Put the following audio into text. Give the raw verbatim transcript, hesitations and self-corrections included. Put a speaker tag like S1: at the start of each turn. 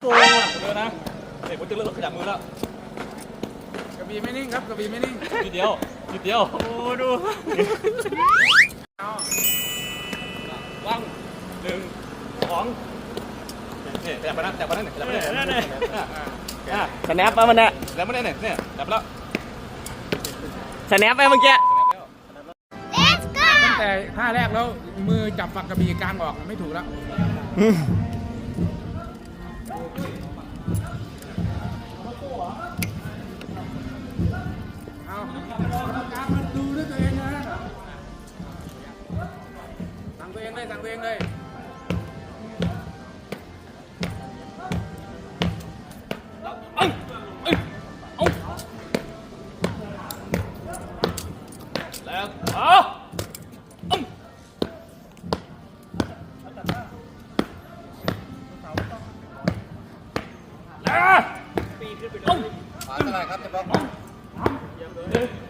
S1: โกงอ่ะเยอะนะเด็กผมจะเลิกขยับมือแล้ว
S2: กระบี่ไม่นิ่งครับกระบี่ไม่นิ่ง
S1: นิดเดียวนิดเดียวโอ้ดูวางหนึ่งสองเนี่ยขยับไปนะขยับไปนั่นขยับไปนั่นนั่นนี่
S3: สแนปไปมันเนี่ย
S1: ขยับไปนั่นเนี่ยขยับแล้ว
S3: สแนปไปเมื่อกี้
S2: ตั้งแต่ท่าแรกแล้วมือจับฝักกระบี่กลางออกไม่ถูกแล้วเอาการมาดูด้วยตัวเองนะสั่งตัวเองเลยสั่งตัวเองเลย
S1: แล้วเอาแล้วปีขึ้นไปเลยขวาเท่าไหร่ครับเจ๊ป๊อก